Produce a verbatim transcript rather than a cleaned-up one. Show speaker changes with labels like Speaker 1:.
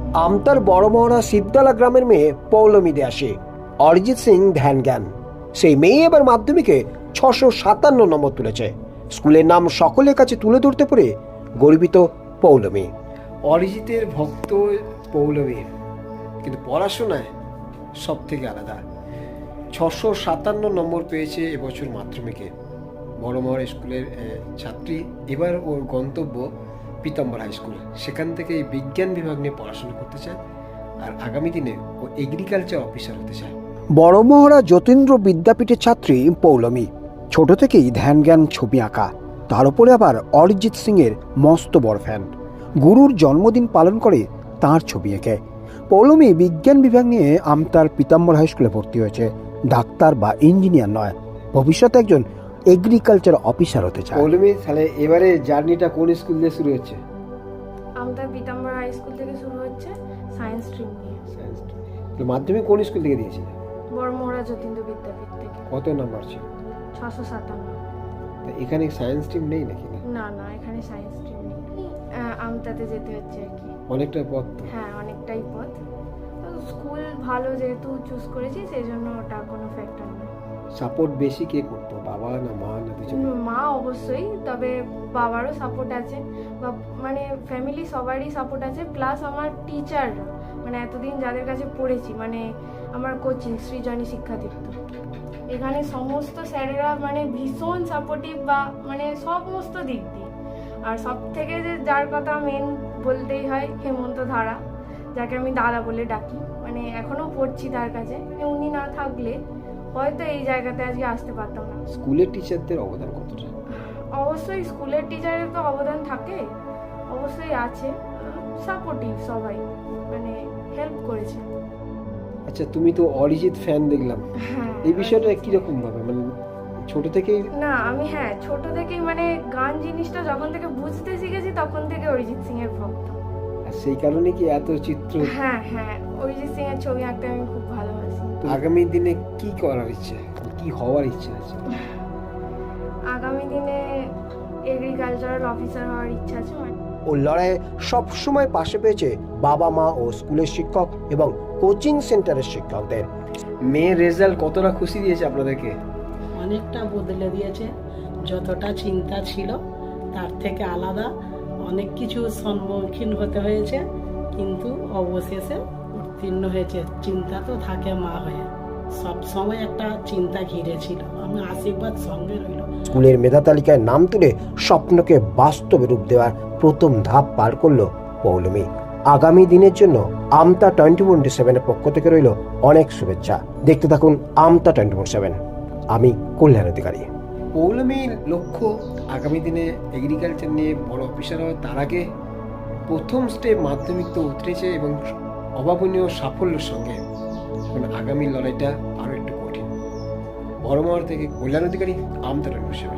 Speaker 1: আমতার বড় মহড়া সিদ্দালা গ্রামের মেয়ে পৌলমী দে আসে অরিজিৎ সিং ধ্যান জ্ঞান। সেই মেয়ে এবার মাধ্যমিকে ছশো সাতান্ন নম্বর তুলেছে। স্কুলের নাম সকলের কাছে তুলে ধরতে পেরে গর্বিত পৌলমী। অরিজিতের ভক্ত পৌলমী, কিন্তু পড়াশোনায় সব থেকে আলাদা। ছশো সাতান্ন নম্বর পেয়েছে এবছর মাধ্যমিকে। বড় মহড়া স্কুলের ছাত্রী। এবার ওর গন্তব্য পীতাম্বর হাই স্কুল। সেখান থেকে বিজ্ঞান বিভাগ নিয়ে পড়াশোনা করতে চায়, আর আগামী দিনে ও এগ্রিকালচার অফিসার হতে চায়। বড় মহড়া যতীন্দ্র বিদ্যাপীঠের ছাত্রী পৌলমী। ছোট থেকেই ধ্যান জ্ঞান ছবি আঁকা, তার উপরে আবার অরিজিৎ সিং এর মস্ত বড় ফ্যান। গুরুর জন্মদিন পালন করে তাঁর ছবি এঁকে পৌলমী বিজ্ঞান বিভাগ নিয়ে আমতার পীতাম্বর হাই স্কুলে ভর্তি হয়েছে। ডাক্তার বা ইঞ্জিনিয়ার নয়, ভবিষ্যতে একজন এগ্রিকালচার অফিসার হতে চায়। পৌলমী, তাহলে এবারে জার্নিটা কোন স্কুল দিয়ে শুরু হচ্ছে?
Speaker 2: আমতার পীতাম্বর হাই স্কুল থেকে শুরু হচ্ছে, সায়েন্স স্ট্রিম নিয়ে।
Speaker 1: সায়েন্স। মাধ্যমিক কোন স্কুল থেকে দিয়েছিল?
Speaker 2: বড় মহড়া যতীন্দ্র বিদ্যাপীঠ থেকে।
Speaker 1: কত নাম্বার ছিল?
Speaker 2: ছশো সাতান্ন।
Speaker 1: এখানে সায়েন্স স্ট্রিম নেই নাকি?
Speaker 2: না না, এখানে সায়েন্স স্ট্রিম নেই। আমতাতে যেতে হচ্ছে আর কি।
Speaker 1: অনেকটা পথ।
Speaker 2: হ্যাঁ, অনেকটাই পথ। তো স্কুল ভালো যেহেতু চুজ করেছি, সেই জন্য ওটা কোনো ফ্যাক্টর না।
Speaker 1: সাপোর্ট বেশি কে করতো, বাবা না মা না দুজন?
Speaker 2: মা অবশ্যই, তবে বাবারও সাপোর্ট আছে, বা মানে ফ্যামিলি সবারই সাপোর্ট আছে। প্লাস আমার টিচাররা, মানে এতদিন যাদের কাছে পড়েছি, মানে আমার কোচিং সৃজনী শিক্ষাতীর্থ, এখানে সমস্ত স্যারেরা মানে ভীষণ সাপোর্টিভ, বা মানে সমস্ত দিক দিয়ে। আর সব থেকে যে যার কথা মেন বলতেই হয়, হেমন্ত ধারা, যাকে আমি দাদা বলে ডাকি, মানে এখনো পড়ছি তার কাছে। উনি না থাকলে হয়তো এই জায়গাতে আজকে আসতে পারতাম না।
Speaker 1: স্কুলের টিচারদের অবদান কতটা?
Speaker 2: অবশ্যই স্কুলের টিচারের তো অবদান থাকে, অবশ্যই আছে। সাপোর্টিভ সবাই, মানে হেল্প করেছে।
Speaker 1: আচ্ছা, তুমি তো অরিজিৎ ফ্যান দেখলাম,
Speaker 2: হ্যাঁ।
Speaker 1: এই বিষয়টা কিরকম ভাবে, মানে ছোট থেকেই?
Speaker 2: না, আমি হ্যাঁ ছোট থেকেই মানে গান জিনিসটা যখন থেকে বুঝতে শিখেছি, তখন থেকে অরিজিৎ সিং এর ভক্ত।
Speaker 1: আর সেই কারণে কি এত চিত্র?
Speaker 2: হ্যাঁ হ্যাঁ, অরিজিৎ সিং এর ছবি আঁকতে আমি খুব ভালোবাসি।
Speaker 1: আগামী দিনে কি করার ইচ্ছে, কি হওয়ার ইচ্ছে আছে?
Speaker 2: আগামী দিনে এগ্রিকালচারাল অফিসার হওয়ার ইচ্ছা আছে।
Speaker 1: ও লড়াইয়ে সবসময় পাশে পেয়েছে বাবা মা ও স্কুলের শিক্ষক এবং কোচিং সেন্টারের শিক্ষকদের। মেয়ের রেজাল্ট কতটা খুশি দিয়েছে আপনাদেরকে?
Speaker 3: অনেকটা বদলে দিয়েছে। যতটা চিন্তা ছিল তার থেকে আলাদা অনেক কিছু সম্মুখীন হতে হয়েছে, কিন্তু অবশেষে উত্তীর্ণ হয়েছে। চিন্তা তো থাকে মা হয়ে, সব সময় একটা চিন্তা ঘিরে ছিল। আমি আশীর্বাদ সঙ্গে রইল।
Speaker 1: স্কুলের মেধা তালিকায় নাম তুলে স্বপ্নকে বাস্তবে রূপ দেওয়ার প্রথম ধাপ পার করলো পৌলমী। আগামী দিনের জন্য আমতা টোয়েন্টি টোয়েন্টি সেভেনের পক্ষ থেকে রইল অনেক শুভেচ্ছা। দেখতে থাকুন আমতা টোয়েন্টি ফোর সেভেন। আমি কল্যাণ অধিকারী। পৌলমীর লক্ষ্য আগামী দিনে এগ্রিকালচার নিয়ে বড় অফিসার হয়। তার আগে প্রথম স্টেপ মাধ্যমিক তো উতরেছে এবং অভাবনীয় সাফল্যের সঙ্গে আগামী লড়াইটা আরও একটু কঠিন। বড় মহড়া থেকে Kalyan Adhikari, Amta twenty four seven.